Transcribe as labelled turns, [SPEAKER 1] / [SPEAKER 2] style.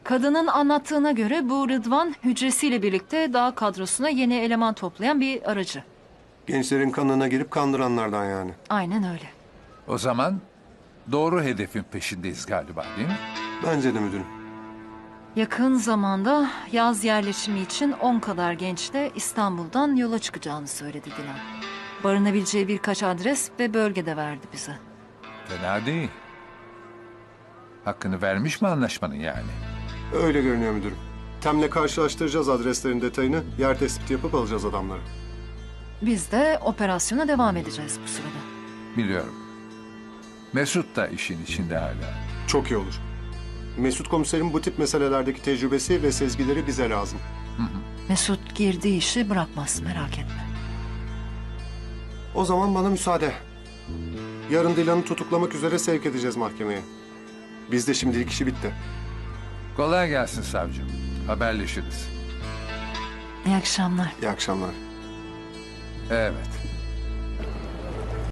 [SPEAKER 1] Kadının anlattığına göre bu Rıdvan hücresiyle birlikte dağ kadrosuna yeni eleman toplayan bir aracı.
[SPEAKER 2] Gençlerin kanına girip kandıranlardan yani.
[SPEAKER 1] Aynen öyle.
[SPEAKER 3] O zaman doğru hedefin peşindeyiz galiba, değil mi?
[SPEAKER 2] Bence de müdürüm.
[SPEAKER 1] Yakın zamanda yaz yerleşimi için 10 kadar gençle İstanbul'dan yola çıkacağını söyledi Dilan. Barınabileceği birkaç adres ve bölge de verdi bize.
[SPEAKER 3] Fena değil. Hakkını vermiş mi anlaşmanın yani?
[SPEAKER 2] Öyle görünüyor müdürüm. Tem'le karşılaştıracağız adreslerin detayını. Yer tespiti yapıp alacağız adamları.
[SPEAKER 1] Biz de operasyona devam edeceğiz bu sırada.
[SPEAKER 3] Biliyorum. Mesut da işin içinde hala.
[SPEAKER 2] Çok iyi olur. Mesut komiserin bu tip meselelerdeki tecrübesi ve sezgileri bize lazım.
[SPEAKER 1] Mesut girdiği işi bırakmaz, merak etme.
[SPEAKER 2] O zaman bana müsaade. Yarın Dilan'ı tutuklamak üzere sevk edeceğiz mahkemeye. Bizde şimdilik işi bitti.
[SPEAKER 3] Kolay gelsin savcım. Haberleşiriz.
[SPEAKER 1] İyi akşamlar.
[SPEAKER 2] İyi akşamlar.
[SPEAKER 3] Evet.